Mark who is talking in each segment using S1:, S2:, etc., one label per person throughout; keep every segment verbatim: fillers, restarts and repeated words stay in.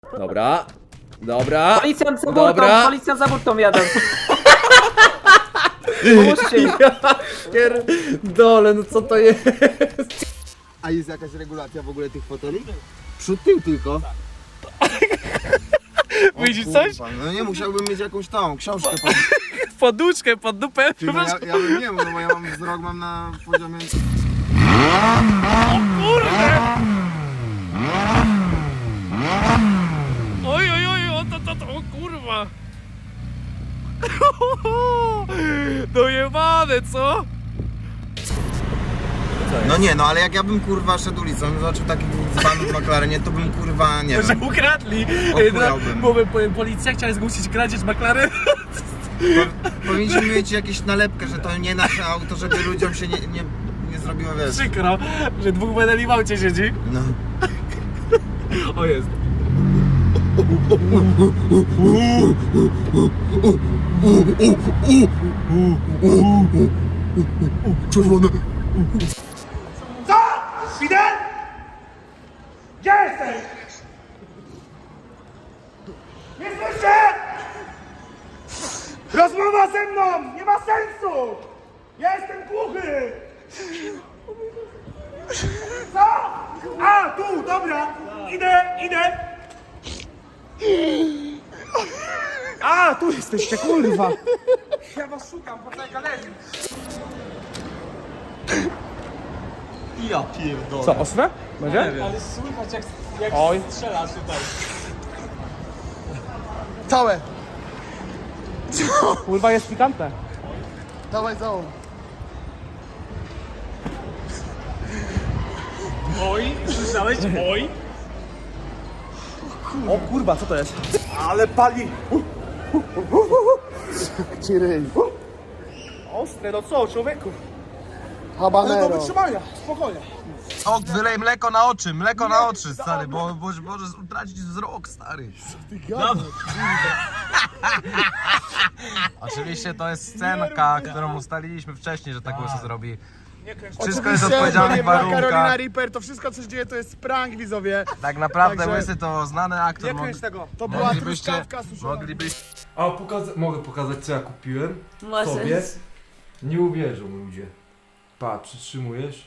S1: Dobra. Dobra.
S2: Policjant za burtą,
S1: Dobra.
S2: policjant za burtą jadą. Pomóżcie mi.
S1: Pierdolę, no co to jest?
S3: A jest jakaś regulacja w ogóle tych foteli? Przód tył tylko.
S4: Widzisz
S3: O
S4: coś?
S3: kurwa, no nie, musiałbym mieć jakąś tą książkę pod...
S4: Poduszkę pod dupę.
S3: Ty, no ja, ja bym nie mógł, no bo ja mam wzrok mam na poziomie...
S4: Oj, oj, oj, o to, to, to, o kurwa. Dojebane, co?
S3: No nie, no ale jak ja bym kurwa szedł ulicą i zobaczył takich dzbanów w McLarenie, to bym kurwa, nie
S4: Że
S3: wiem,
S4: ukradli.
S3: Ochujałbym.
S4: Bo bo policja chciała zgłosić kradzież McLaren.
S3: po, powinniśmy mieć jakąś nalepkę, że to nie nasze auto, żeby ludziom się nie, nie, nie zrobiło, wiesz.
S4: Przykro, że dwóch medali w aucie siedzi.
S3: No.
S4: O jest.
S3: Czerwone.
S5: Co? Fidel? Gdzie jesteś? Nie słyszę! Rozmowa ze mną nie ma sensu! Ja jestem głuchy! Co? A, tu, dobra! Idę, idę! A, tu jesteście, kurwa! Ja was szukam po tej galerii!
S4: Ja pierdolę.
S5: Co, ostre? Będzie?
S4: Ale słychać jak, jak
S5: Oj.
S4: strzela tutaj.
S3: Całe.
S5: Kurwa, jest pikantne.
S3: Dawaj całą.
S4: Oj, słyszałeś? Oj.
S5: O kurwa, co to jest?
S3: Ale pali. Ciryj.
S5: Ostre, no co, człowieku?
S3: Habanero.
S5: Do wytrzymania, spokojnie.
S3: O, wylej mleko na oczy, mleko na oczy, stary, bo, bo możesz utracić wzrok, stary. Oczywiście to jest scenka, którą ustaliliśmy wcześniej, że tak się zrobi. Wszystko jest w odpowiedzialnych
S5: Karolina
S3: warunkach.
S5: Reaper, to wszystko co się dzieje to jest prank, widzowie.
S3: Tak naprawdę
S5: Także-
S3: Łysy to znany aktor.
S5: Nie
S3: Mogli,
S5: kręć tego. To była
S3: moglibyście,
S5: truskawka suszona.
S3: moglibyście...
S6: A pokaza- mogę pokazać, co ja kupiłem
S7: Możesz.
S6: sobie? Nie uwierzą ludzie. Pa, przytrzymujesz.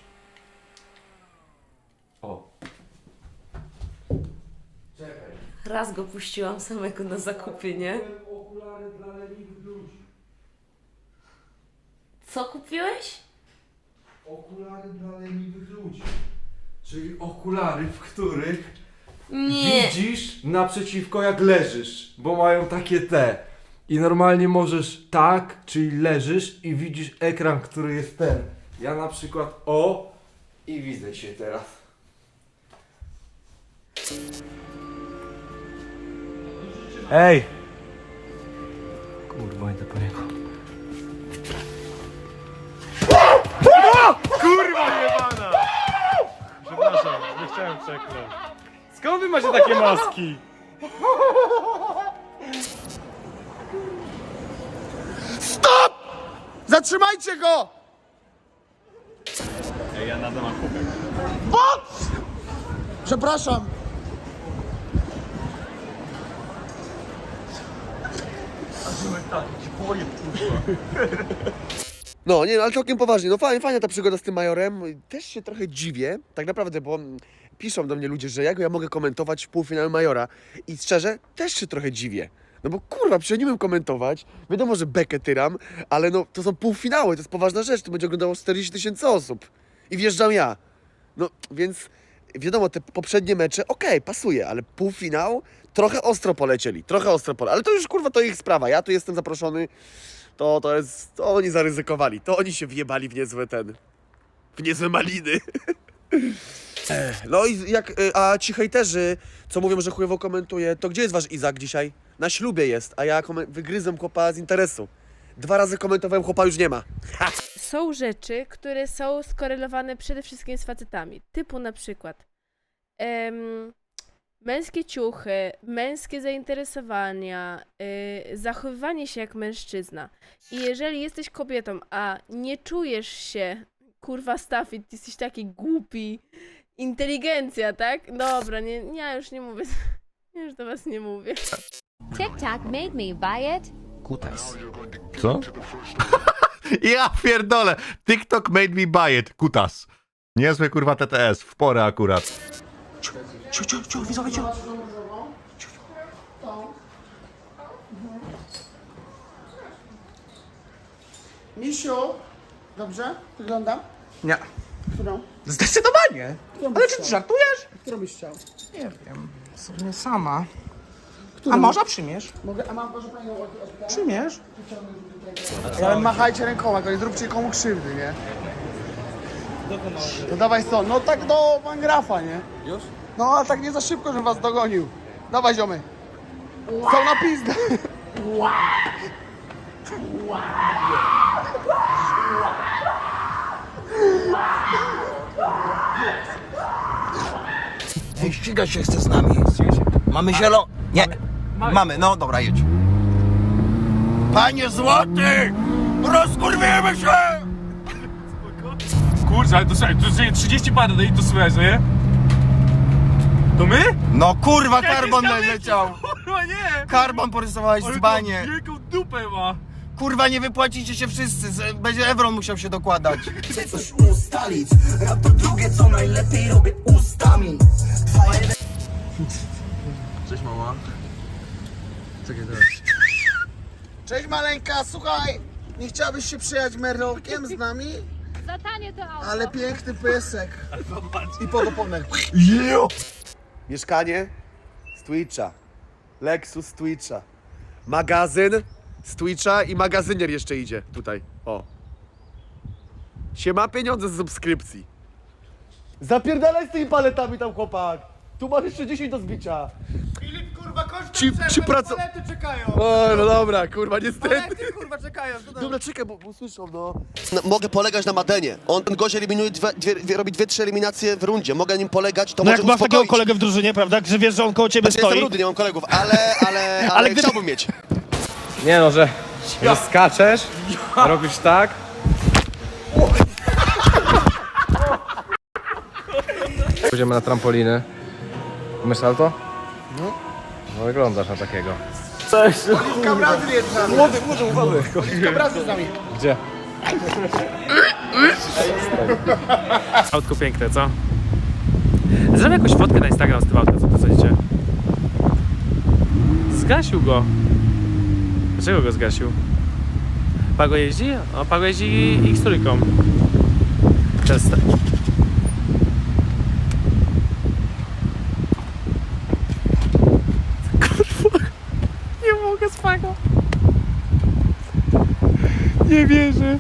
S6: O. Czekaj.
S7: Raz go puściłam samego na zakupy, nie?
S6: Okulary dla leniwych ludzi.
S7: Co kupiłeś?
S6: Okulary dla leniwych ludzi. Czyli okulary, w których
S7: Nie.
S6: widzisz naprzeciwko jak leżysz, bo mają takie te. I normalnie możesz tak, czyli leżysz i widzisz ekran, który jest ten. Ja na przykład o i widzę się teraz.
S4: Ej! Kurwa, idę po niego. Kurwa jebana! Przepraszam, nie chciałem przekląć. Skąd wy macie takie maski?
S5: Zatrzymajcie go!
S4: Ej, ja nadal mam kubek.
S5: Przepraszam.
S8: No, nie, no, ale całkiem poważnie, no fajnie, fajna ta przygoda z tym majorem. Też się trochę dziwię, tak naprawdę, bo mm, piszą do mnie ludzie, że jak ja mogę komentować półfinał majora. I szczerze, też się trochę dziwię. No bo kurwa, przecież nie umiem komentować. Wiadomo, że bekę tyram, ale no to są półfinały, to jest poważna rzecz. To będzie oglądało czterdzieści tysięcy osób. I wjeżdżam ja. No, więc wiadomo, te poprzednie mecze, okej, pasuje, ale półfinał trochę ostro polecieli, trochę ostro polecieli. Ale to już kurwa to ich sprawa, ja tu jestem zaproszony. To, to jest, to oni zaryzykowali, to oni się wjebali w niezłe ten, w niezłe maliny. No i jak, y, a ci hejterzy, co mówią, że chujowo komentuje, to gdzie jest wasz Izak dzisiaj? Na ślubie jest, a ja komen- wygryzłem chłopa z interesu. Dwa razy komentowałem, chłopa już nie ma.
S9: Są rzeczy, które są skorelowane przede wszystkim z facetami. Typu na przykład em, męskie ciuchy, męskie zainteresowania, y, zachowywanie się jak mężczyzna. I jeżeli jesteś kobietą, a nie czujesz się, kurwa Stafid, ty jesteś taki głupi, inteligencja, tak? Dobra, nie, ja już nie mówię. Już do was nie mówię.
S10: TikTok made me buy it.
S3: Kutas.
S11: Co? Ja pierdolę. TikTok made me buy it. Kutas. Niezły kurwa T T S. W porę akurat.
S3: Ciu, ciu, ciu, widzowie, ciu.
S5: Misiu, dobrze? Wyglądam?
S3: Nie.
S5: Którą?
S3: Zdecydowanie. Ale czy ty żartujesz?
S5: Którą byś chciał?
S3: Nie wiem. W sumie sama.
S5: Którą?
S3: A może przyjmiesz?
S5: Mogę, a mam może panią odpytać?
S3: Przyjmiesz?
S5: Ale machajcie rękoma, nie zróbcie komu krzywdy, nie? To dawaj stąd, no tak do Mangrafa, nie? Już? No ale tak nie za szybko, żebym was dogonił. Dawaj ziomy. Są na pizdę.
S3: Ej, ścigać się chce z nami. Mamy zielo... Nie. Mamy, no dobra, jedź. Panie złoty! Rozkurwiemy się!
S4: Kurczę, ale to słuchaj, to jest trzydzieści parę, no i to słychać, no nie? To my?
S3: No kurwa, karbon leciał.
S4: Kurwa nie!
S3: Karbon porysowałeś z banie.
S4: Wielką dupę ma!
S3: Kurwa, nie wypłacicie się wszyscy. z- Będzie Evron musiał się dokładać.
S8: Coś ustalić, a to drugie co najlepiej robię ustami.
S3: Cześć mama.
S5: Cześć maleńka, słuchaj. Nie chciałabyś się przyjechać merlokiem z nami?
S10: Za tanie to auto.
S5: Ale piękny piesek. I podoponek.
S8: Mieszkanie z Twitcha. Lexus z Twitcha. Magazyn z Twitcha i magazynier jeszcze idzie tutaj. O. Siema, pieniądze z subskrypcji. Zapierdalaj z tymi paletami tam, chłopak. Tu masz jeszcze dziesięć do zbicia.
S5: Filip, kurwa, kończ
S8: Ci, ci praco...
S5: palety czekają.
S8: O, no dobra, kurwa, niestety.
S5: Palety, kurwa, czekają.
S8: Dobra, czekaj, bo, bo słyszą, no. Mogę polegać na Madenie. On, ten gość eliminuje, dwie, dwie, dwie, robi dwie, trzy eliminacje w rundzie. Mogę nim polegać, to
S12: No
S8: może
S12: jak masz takiego
S8: uspokoić.
S12: kolegę w drużynie, prawda, że wiesz, że on koło ciebie
S8: Znaczy, jestem
S12: stoi.
S8: rudy, nie mam kolegów, ale, ale, ale,
S12: Ale gdyby-
S8: chciałbym mieć.
S1: Nie no, że, że skaczesz, robisz tak. Pójdziemy na trampoliny. Umiesz salto? No. No wyglądasz na takiego.
S5: Oliwka Brazil jest z nami.
S8: Młody, młody, młody.
S5: Oliwka Brazil z nami.
S1: Gdzie?
S4: Autko piękne, co? Zrobię jakąś fotkę na Instagram z tym autem, co to sądzicie? Zgasił go. Dlaczego go zgasił? Pago jeździ? O, Pago jeździ X-trójką. Często. Kurwa. Nie mogę z Pago. Nie wierzę.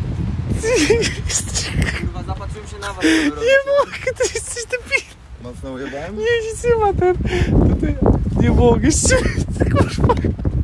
S3: Kurwa, zapatrzyłem się na was.
S4: Nie mogę, to jesteś debil.
S3: Mocno ujebałem?
S4: Nie, nic nie ma ten. To ty, nie mogę, kurwa.